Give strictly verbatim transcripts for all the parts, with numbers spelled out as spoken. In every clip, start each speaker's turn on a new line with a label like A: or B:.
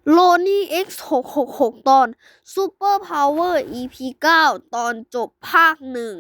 A: โลนี่ เอ็กซ์ หก หก หก ตอน Super Power อี พี เก้า ตอนจบภาคหนึ่ง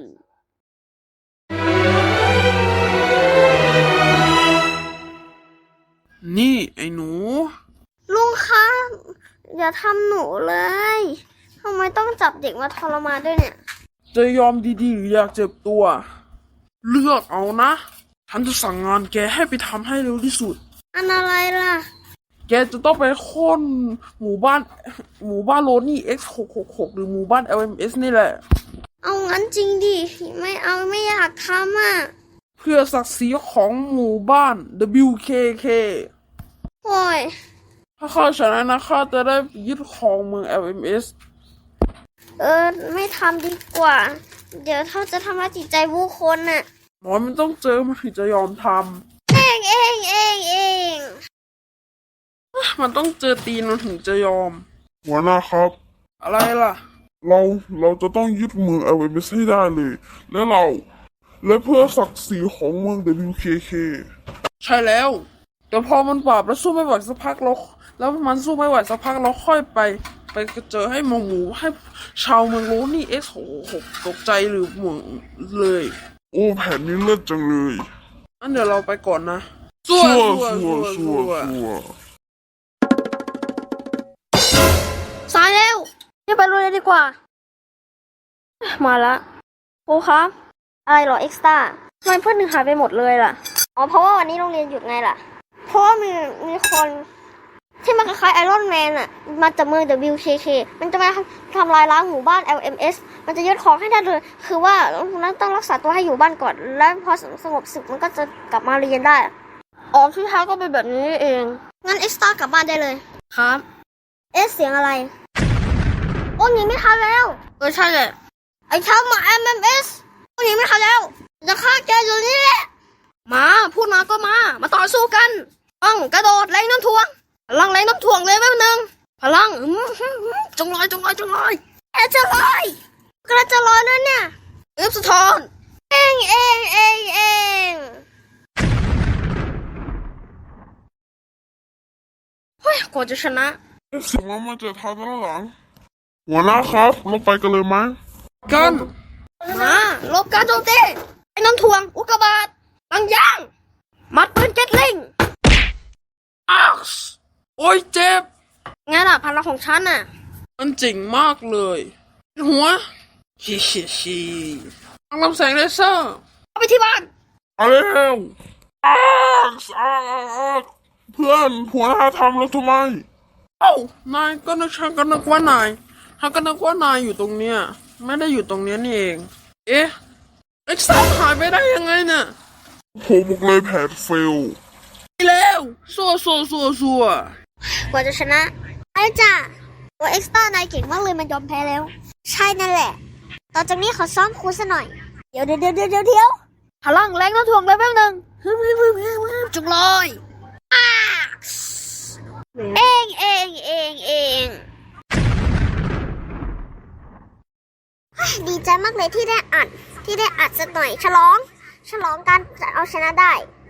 B: นี่ไอ้หนู
A: ลุงคะอย่าทำหนูเลยทำไมต้องจับเด็กมาทรมานด้วยเนี่ย
B: จะยอมดีๆหรืออยากเจ็บตัว เลือกเอานะ ฉันจะสั่งงานแกให้ไปทำให้เร็วที่สุด
A: อันอะไรล่ะ
B: แกจะต้องไปค้นหมู่บ้าน หมู่บ้านโลนี่ เอ็กซ์ หก หก หก หรือหมู่บ้าน แอล เอ็ม เอส นี่แหละ
A: เอางั้นจริงดิ ไม่เอาไม่อยากทำอ่ะ
B: เพื่อศักดิ์ศรีของหมู่บ้าน ดับเบิลยู เค เค
A: โอ้ย
B: ถ้าข้าชนะนะข้าจะได้ยึดครองเมือง แอล เอ็ม เอส
A: เออ ไม่ทำดีกว่า เดี๋ยวเขาจะทำร้ายจิตใจผู้คนน่ะ
B: หมอมันต้องเจอมันถึงจะยอมท
A: เองเองเองเอง
B: ำ มันต้องเจอตีนมันถึงจะยอม
C: หัวหน้าครับ
B: อะไรล่ะ
C: เราเราจะต้องยึดเมือง แอล เอ็ม เอส ให้ได้เลย และเรา และเพื่อศักดิ์ศรีของเมือง ดับเบิลยู เค เค
B: ใช่แล้วแต่พอมันปราบแล้วสู้ไม่ไหวสักพักเราแล้วมันสู้ไม่ไหวสักพักเราค่อยไป ไปเจอให้หมหมูให้ชาวเมืองโลนี่ เอ็กซ์ หก หก ตกใจหรือเหมืองเลย
C: โอ้แผ่นนี้เลิศจังเลย
B: งั้นเดี๋ยวเราไปก่อนนะสู้
C: ชั่ว
B: สู้
C: ชั่ว
B: สู้
C: ชั่ว
B: สู้
C: ชั่ว
A: สายแล้วนี่ไปโรงเรียนดีกว่า มาละครูครับ อะไรเหรอเอ็กซ์ต้าทำไมเพื่อนหนึ่งหายไปหมดเลยล่ะ อ๋อ เพราะว่าวันนี้โรงเรียนหยุดไงล่ะ เพราะว่ามีมีคนที่มันคล้ายไอรอนแมนอะมาจากเมือง ดับเบิลยู เค เค มันจะมาทำลายล้างหมู่บ้าน แอล เอ็ม เอส มันจะยึดของให้ได้เลย คือว่านั้นต้องรักษาตัวให้อยู่บ้านก่อน แล้วพอสงบศึกมันก็จะกลับมาเรียนได้ อ๋อที่แท้ก็เป็นแบบนี้เอง งั้นเอ็กซ์ต้ากลับบ้านได้เลย ครับ เอ๊ะเสียงอะไร โอ้หนีไม่ทันแล้ว เออใช่เลยไอ้ชาวหมา เอ็ม เอ็ม เอส โอ้หนีไม่ทันแล้ว จะฆ่าแกอยู่นี่แหละ มาพูดมาก็มา มาต่อสู้กันต้องกระโดดแรงน้ำถ่วงพลังแรงน้ำถ่วงเลยแป๊บนึงพลังอืมอืมอืมจงลอยจงลอยจงลอยแอจะลอยกระจะลอยแล้วเนี่ยอึบสะท้อนเองเองเองเองเฮ้ยกว่าจะชนะ
C: เอ๊ะเสียงมันมาจากทางด้านหลัง หัวหน้าครับ เราไปกันเลยไหม
B: กัน
A: มาลบการโจมตีไอ้น้ำถ่วงอุกกาบาตบางอย่างมัดปืนเก็ตลิง
B: อักซ์โอ้ยเจ็บ
A: ไงล่ะพลังของฉันน่ะ
B: มันเจ๋งมากเลย หัวฮิฮิฮิต้องลำแสงเลเซอร์
A: เอาไปที่บ้าน
C: เอาเร็วอักซ์อักซ์อักซ์เพื่อนหัวหน้าทำแล้วทำไม
B: เอ้านายก็นึกฉันก็นึกว่านายฉันก็นึกว่านายอยู่ตรงเนี้ยไม่ได้อยู่ตรงเนี้ยนี่เอง เอ๊ะเอ็กซ์ต้าหายไปได้ยังไงเนี่ย
C: ผมบอกเลยแผนเฟล
B: ไปแล้วซัวซัวซัวซัว
A: กว่าจะชนะไอ้จ้ะตัวเอ็กซ์ต้านายเก่งมากเลยมันยอมแพ้แล้ว ใช่นั่นแหละ ต่อจากนี้ขอซ้อมครูซะหน่อย เดี๋ยวเดี๋ยวเดี๋ยวเดี๋ยวเดี๋ยวพลังแรงน้ำถ่วงเลยแป๊บนึงฮึบฮึบฮึบฮึบฮึบจุกลอยอ้าเองเองเองเองเฮ้ยดีใจมากเลยที่ได้อัดที่ได้อัดสักหน่อยฉลอง ฉลองการเอาชนะได้